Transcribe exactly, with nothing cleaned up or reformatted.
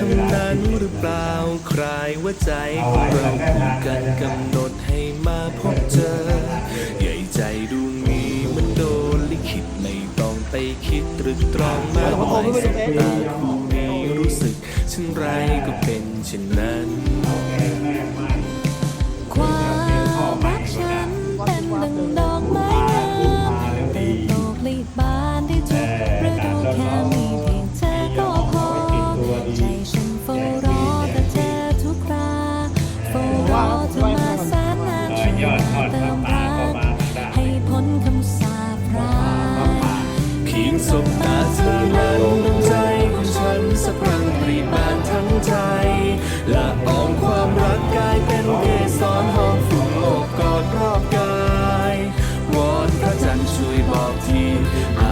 นนั้นหรือเปล่าใครว่าใจของเราคู่กันกำหนดให้มาพบเจอใหญ่ใจดวงนี้มันโดนลิขิตไม่ต้องไปคิดตรึกตรองมากมายสบตาคู่นี้รู้สึกเช่นไรก็เป็นเช่นนั้นความรักฉันเป็นดังดอกไม้งามเติบโตผลิบานได้ทุกฤดูแค่มีเพียงเธอก็พอใจฉันเฝ้ารอแต่เธอทุกคราเฝ้ารอเธอมาแสนนานช่วยมาเติมรักให้พ้นคำสาปร้ายเพียงสบตาเธอนั้นดวงใจของฉันสะพรั่งปรีบานทั้งใจละอองความรักกลายเป็นเกสรหอมฟุ้งโอบกอดรอบกายวอนพระจันทร์ช่วยบอกทีห